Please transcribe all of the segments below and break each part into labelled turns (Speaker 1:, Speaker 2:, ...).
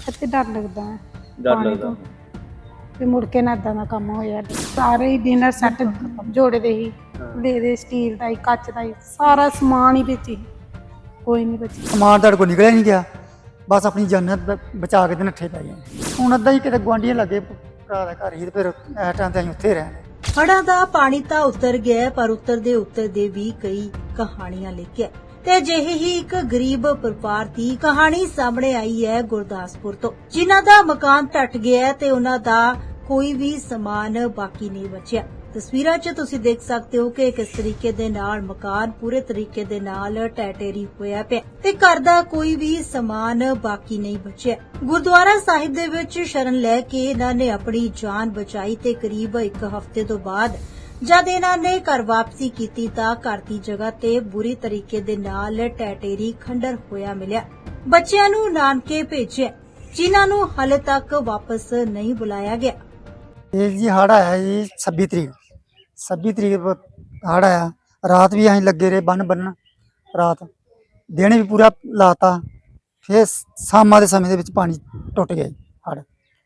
Speaker 1: ਇੱਥੇ ਡਰ ਲੱਗਦਾ ਹੈ
Speaker 2: ਡਰ
Speaker 1: ਪਾਣੀ
Speaker 2: ਲੱਗਦਾ
Speaker 1: ਤੋਂ ਤੇ ਮੁੜ ਕੇ ਨਾ ਏਦਾਂ ਦਾ ਕੰਮ ਹੋਇਆ। ਸਾਰੇ ਹੀ ਡਿਨਰ ਸੈੱਟ ਜੋੜੇ ਦੇ ਹੀ ਦੇ ਸਟੀਲ ਦਾ ਹੀ ਕੱਚ ਦਾ ਹੀ ਸਾਰਾ ਸਮਾਨ ਹੀ ਵਿੱਚ ਹੀ ਕੋਈ ਨਹੀਂ ਬਚਿਆ।
Speaker 3: ਸਮਾਨ ਤੁਹਾਡੇ ਕੋਲ ਨਿਕਲਿਆ ਨਹੀਂ ਗਿਆ, ਬਸ ਆਪਣੀ ਜਾਨ ਬਚਾ ਕੇ ਤੇ ਨੱਠੇ ਪੈ ਗਏ। ਹੁਣ ਅੱਧਾ ਹੀ ਕਿਤੇ ਗੁਆਂਢੀਆਂ ਲੱਗੇ ਭਰਾ ਦਾ ਘਰ ਹੀ ਤੇ ਫਿਰ ਇਸ ਟਾਈਮ ਤੇ ਅਸੀਂ ਉੱਥੇ ਰਹਿਣੇ।
Speaker 4: ਹੜ੍ਹਾਂ ਦਾ ਪਾਣੀ ਤਾਂ ਉਤਰ ਗਿਆ, ਪਰ ਉਤਰਦੇ ਵੀ ਕਈ ਕਹਾਣੀਆਂ ਲੈ ਕੇ ਤੇ ਅਜਿਹੇ ਹੀ ਇੱਕ ਗਰੀਬ ਪਰਿਵਾਰ ਦੀ ਕਹਾਣੀ ਸਾਹਮਣੇ ਆਈ ਹੈ ਗੁਰਦਾਸਪੁਰ ਤੋਂ, ਜਿਨ੍ਹਾਂ ਦਾ ਮਕਾਨ ਟੱਟ ਗਿਆ ਤੇ ਉਹਨਾਂ ਦਾ ਕੋਈ ਵੀ ਸਮਾਨ ਬਾਕੀ ਨਹੀਂ ਬਚਿਆ। ਤਸਵੀਰਾਂ 'ਚ ਤੁਸੀਂ ਦੇਖ ਸਕਦੇ ਹੋ ਕਿ ਕਿਸ ਤਰੀਕੇ ਦੇ ਨਾਲ ਮਕਾਨ ਪੂਰੇ ਤਰੀਕੇ ਦੇ ਨਾਲ ਟੈਟੇਰੀ ਹੋਇਆ ਪਿਆ ਤੇ ਘਰ ਦਾ ਕੋਈ ਵੀ ਸਮਾਨ ਬਾਕੀ ਨਹੀਂ ਬਚਿਆ। ਗੁਰਦੁਆਰਾ ਸਾਹਿਬ ਦੇ ਵਿੱਚ ਸ਼ਰਨ ਲੈ ਕੇ ਇਹਨਾਂ ਨੇ ਆਪਣੀ ਜਾਨ ਬਚਾਈ ਤੇ ਕਰੀਬ 1 ਹਫ਼ਤੇ ਤੋਂ ਬਾਅਦ ਜਦ ਇਹਨਾਂ ਨੇ ਘਰ ਵਾਪਸੀ ਕੀਤੀ ਤਾਂ ਘਰ ਦੀ ਜਗ੍ਹਾ ਤੇ ਬੁਰੀ ਤਰੀਕੇ ਦੇ ਨਾਲ ਟੈਟੇਰੀ ਖੰਡਰ ਹੋਇਆ ਮਿਲਿਆ। ਬੱਚਿਆਂ ਨੂੰ ਨਾਨਕੇ ਭੇਜਿਆ, ਜਿਨ੍ਹਾਂ ਨੂੰ ਹਾਲੇ ਤੱਕ ਵਾਪਸ ਨਹੀਂ ਬੁਲਾਇਆ ਗਿਆ।
Speaker 3: ਇਹ ਜੀ ਹੜ੍ਹ ਆਇਆ ਜੀ 26 ਤਰੀਕ ਹੜ੍ਹ ਆਇਆ। ਰਾਤ ਵੀ ਅਸੀਂ ਲੱਗੇ ਰਹੇ ਬੰਨ੍ਹਣ ਰਾਤ, ਦਿਨ ਵੀ ਪੂਰਾ ਲਾਤਾ। ਫਿਰ ਸ਼ਾਮਾਂ ਦੇ ਸਮੇਂ ਦੇ ਵਿੱਚ ਪਾਣੀ ਟੁੱਟ ਗਿਆ ਹੜ੍ਹ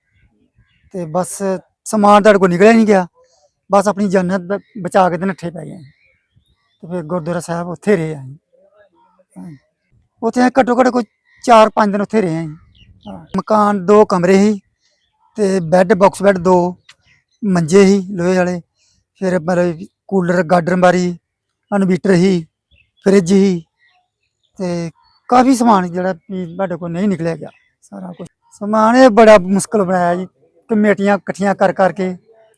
Speaker 3: ਤੇ ਬਸ ਸਮਾਨ ਤੁਹਾਡੇ ਕੋਲ ਨਿਕਲਿਆ ਨਹੀਂ ਗਿਆ, ਬਸ ਆਪਣੀ ਜਾਨ ਬਚਾ ਕੇ ਤੇ ਨੱਠੇ ਪੈ ਗਏ। ਤੇ ਫਿਰ ਗੁਰਦੁਆਰਾ ਸਾਹਿਬ ਉੱਥੇ ਰਹੇ ਅਸੀਂ, ਉੱਥੇ ਘੱਟੋ ਘੱਟ ਕੋਈ 4-5 ਦਿਨ ਉੱਥੇ ਰਹੇ ਅਸੀਂ। ਮਕਾਨ 2 ਕਮਰੇ ਸੀ ਤੇ ਬੈੱਡ ਬਾਕਸ ਬੈੱਡ 2 ਮੰਜੇ ਸੀ ਲੋਹੇ ਵਾਲੇ, ਫਿਰ ਮਤਲਬ ਕੂਲਰ ਗਾਡਰ ਮਾਰੀ ਇਨਵੀਟਰ ਸੀ ਫਰਿੱਜ ਸੀ ਤੇ ਕਾਫੀ ਸਮਾਨ ਜਿਹੜਾ ਵੀ ਸਾਡੇ ਕੋਲ ਨਹੀਂ ਨਿਕਲਿਆ ਗਿਆ। ਸਾਰਾ ਕੁਝ ਸਮਾਨ ਇਹ ਬੜਾ ਮੁਸ਼ਕਲ ਬਣਾਇਆ ਜੀ, ਕਮੇਟੀਆਂ ਇਕੱਠੀਆਂ ਕਰ ਕਰਕੇ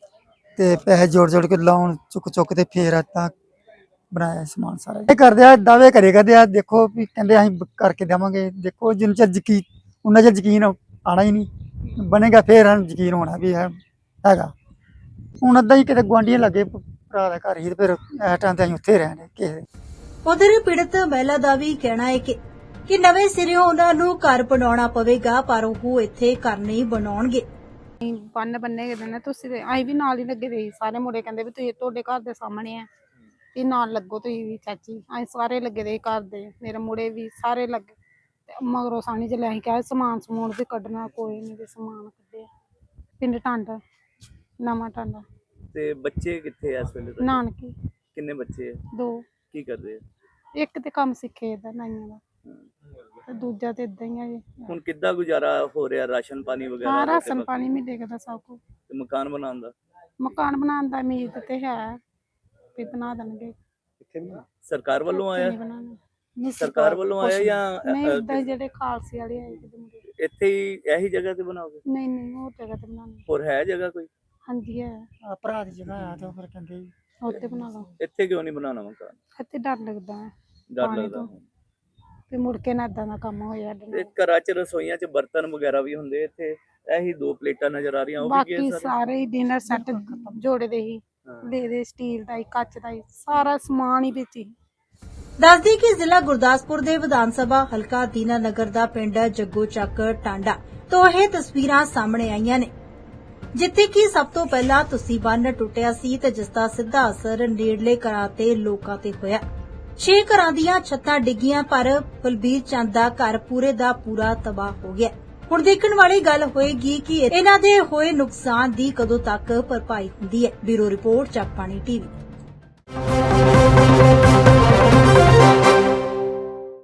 Speaker 3: ਤੇ ਪੈਸੇ ਜੋੜ ਕੇ ਲਾਉਣ ਚੁੱਕ ਤੇ ਫੇਰ ਤਾਂ ਬਣਾਇਆ ਸਮਾਨ ਸਾਰਾ। ਇਹ ਕਰਦੇ ਆ ਦਾਅਵੇ ਕਰਦੇ ਆ, ਦੇਖੋ ਵੀ ਕਹਿੰਦੇ ਅਸੀਂ ਕਰਕੇ ਦੇਵਾਂਗੇ। ਦੇਖੋ ਜਿੰਨਾ ਚਿਰ ਯਕੀਨ ਉਹਨਾਂ ਚਿਰ ਯਕੀਨ ਆਣਾ ਹੀ ਨਹੀਂ ਬਣੇਗਾ, ਫੇਰ ਯਕੀਨ ਹੋਣਾ ਵੀ ਹੈਗਾ। ਹੁਣ ਅੱਧਾ ਹੀ ਕਿਤੇ ਗੁਆਂਢੀਆਂ ਲੱਗੇ ਭਰਾ ਦਾ ਘਰ ਹੀ ਤੇ ਫਿਰ ਇਸ ਟਾਈਮ ਤੇ ਅਸੀਂ ਉੱਥੇ ਰਹਿਣੇ ਕਿਸੇ।
Speaker 4: ਉਧਰ ਪੀੜਤ ਮਹਿਲਾ ਦਾ ਵੀ ਕਹਿਣਾ ਹੈ ਕਿ ਨਵੇਂ ਸਿਰਿਓਂ ਉਹਨਾਂ ਨੂੰ ਘਰ ਬਣਾਉਣਾ ਪਵੇਗਾ, ਪਰ ਉਹ ਇੱਥੇ ਘਰ ਨਹੀਂ ਬਣਾਉਣਗੇ।
Speaker 1: ਬੰਨੇ ਗਏ ਨੇ ਤੁਸੀਂ ਤੇ ਅਸੀਂ ਵੀ ਨਾਲ ਹੀ ਲੱਗੇ ਦੇ ਸੀ। ਸਾਰੇ ਮੁੰਡੇ ਕਹਿੰਦੇ ਵੀ ਤੁਸੀਂ ਤੁਹਾਡੇ ਘਰ ਦੇ ਸਾਹਮਣੇ ਆ ਤੇ ਨਾਲ ਲੱਗੋ ਤੁਸੀਂ ਵੀ ਚਾਚੀ। ਅਸੀਂ ਸਾਰੇ ਲੱਗੇ ਦੇ ਘਰ ਦੇ, ਮੇਰੇ ਮੁੰਡੇ ਵੀ ਸਾਰੇ ਲੱਗੇ ਤੇ ਮਗਰੋਂ ਸਾਣੀ ਚ ਲੈ ਕੇ ਸਮਾਨ ਸਮੂਨ ਵੀ ਕੱਢਣਾ, ਕੋਈ ਨਹੀਂ ਤੇ ਸਮਾਨ ਕੱਢਿਆ। ਪਿੰਡ ਟਾਂਡਾ, ਨਵਾਂ ਟਾਂਡਾ।
Speaker 2: ਤੇ ਬੱਚੇ ਕਿੱਥੇ ਆ ਇਸ ਵੇਲੇ ਤੁਹਾਡੇ?
Speaker 1: ਨਾਨਕੀ।
Speaker 2: ਕਿੰਨੇ ਬੱਚੇ ਆ?
Speaker 1: 2।
Speaker 2: ਕੀ ਕਰਦੇ ਆ?
Speaker 1: ਇੱਕ ਤੇ ਕੰਮ ਸਿੱਖੇ ਦਾ ਨਾਈਆਂ ਦਾ ਤੇ ਦੂਜਾ ਤੇ ਇਦਾਂ ਹੀ ਆ ਜੀ।
Speaker 2: ਹੁਣ ਕਿੱਦਾਂ ਗੁਜ਼ਾਰਾ ਹੋ ਰਿਹਾ? ਰਾਸ਼ਨ ਪਾਣੀ ਵਗੈਰਾ?
Speaker 1: ਹਾਂ, ਰਾਸ਼ਨ ਪਾਣੀ ਮਿਲੇਗਾ ਦਾ ਸਭ ਕੁਝ।
Speaker 2: ਤੇ ਮਕਾਨ ਬਣਾਉਣ ਦਾ?
Speaker 1: ਮਕਾਨ ਬਣਾਉਣ ਦਾ ਉਮੀਦ ਤੇ ਹੈ ਵੀ ਬਣਾ ਦੇਣਗੇ।
Speaker 2: ਸਰਕਾਰ ਵੱਲੋਂ ਆਇਆ?
Speaker 1: ਨਹੀਂ ਬਣਾਉਣਾ। ਨਹੀਂ,
Speaker 2: ਸਰਕਾਰ ਵੱਲੋਂ ਆਇਆ ਜਾਂ
Speaker 1: ਨਹੀਂ ਏਦਾਂ ਜਿਹੜੇ ਖਾਲਸੇ ਵਾਲੇ ਆਏ ਕਿਤੇ ਮੁੰਡੇ।
Speaker 2: ਇੱਥੇ ਹੀ ਇਹੀ ਜਗ੍ਹਾ ਤੇ ਬਣਾਓਗੇ?
Speaker 1: ਨਹੀਂ ਹੋਰ ਜਗ੍ਹਾ ਤੇ ਬਣਾਉਣੀ।
Speaker 2: ਹੋਰ ਹੈ ਜਗ੍ਹਾ ਕੋਈ?
Speaker 1: ਹਾਂਜੀ ਹੈ,
Speaker 3: ਭਰਾ ਦੀ ਜਗ੍ਹਾ ਆ ਤੇ ਫਿਰ ਕਹਿੰਦੇ
Speaker 1: ਉੱਥੇ ਬਣਾ ਲਓ।
Speaker 2: ਇੱਥੇ ਕਿਉਂ ਨਹੀਂ ਬਣਾਉਣਾ ਮਕਾਨ?
Speaker 1: ਇੱਥੇ ਡਰ ਲੱਗਦਾ ਹੈ
Speaker 2: ਡਰ
Speaker 1: ਪਾਣੀ
Speaker 2: ਲੱਗਦਾ।
Speaker 1: ਤੋਂ ਤੇ ਮੁੜ ਕੇ ਨਾ ਏਦਾਂ ਦਾ ਕੰਮ ਹੋਇਆ।
Speaker 2: ਤੇ ਘਰਾਂ 'ਚ ਰਸੋਈਆਂ 'ਚ ਬਰਤਨ ਵਗੈਰਾ ਵੀ ਹੁੰਦੇ, ਇੱਥੇ ਇਹੀ 2 ਪਲੇਟਾਂ ਨਜ਼ਰ ਆ ਰਹੀਆਂ, ਉਹ ਵੀ ਕੀ
Speaker 1: ਬਾਕੀ
Speaker 2: ਹੈ?
Speaker 1: ਸਾਰੇ ਹੀ ਡਿਨਰ ਸੈੱਟ ਜੋੜੇ ਦੇ ਹੀ ਦੇ ਸਟੀਲ ਦਾ ਹੀ ਕੱਚ ਦਾ ਹੀ ਸਾਰਾ ਸਮਾਨ ਹੀ ਵਿੱਚ ਹੀ।
Speaker 4: ਦੱਸਦੀ ਕਿ ਜ਼ਿਲ੍ਹਾ ਗੁਰਦਾਸਪੁਰ ਦੇ ਵਿਧਾਨ ਸਭਾ ਹਲਕਾ ਦੀਨਾਨਗਰ ਦਾ ਪਿੰਡ ਜੱਗੋ ਚੱਕ ਟਾਂਡਾ ਤੋਂ ਇਹ ਤਸਵੀਰਾਂ ਸਾਹਮਣੇ ਆਈਆਂ ਨੇ, ਜਿੱਥੇ ਕਿ ਸਭ ਤੋਂ ਪਹਿਲਾਂ ਤੁਸੀਂ ਬੰਨ ਟੁੱਟਿਆ ਸੀ ਤੇ ਜਿਸ ਦਾ ਸਿੱਧਾ ਅਸਰ ਨੇੜਲੇ ਘਰਾਂ ਤੇ ਲੋਕਾਂ ਤੇ ਹੋਇਆ। 6 ਘਰਾਂ ਦੀਆਂ ਛੱਤਾਂ ਡਿੱਗੀਆਂ, ਪਰ ਬਲਬੀਰ ਚੰਦ ਦਾ ਘਰ ਪੂਰੇ ਦਾ ਪੂਰਾ ਤਬਾਹ ਹੋ ਗਿਆ। ਹੁਣ ਦੇਖਣ ਵਾਲੀ ਗੱਲ ਹੋਏਗੀ ਕਿ ਇਹਨਾਂ ਦੇ ਹੋਏ ਨੁਕਸਾਨ ਦੀ ਕਦੋਂ ਤੱਕ ਭਰਪਾਈ ਹੁੰਦੀ ਹੈ। Bureau report Jagbani TV.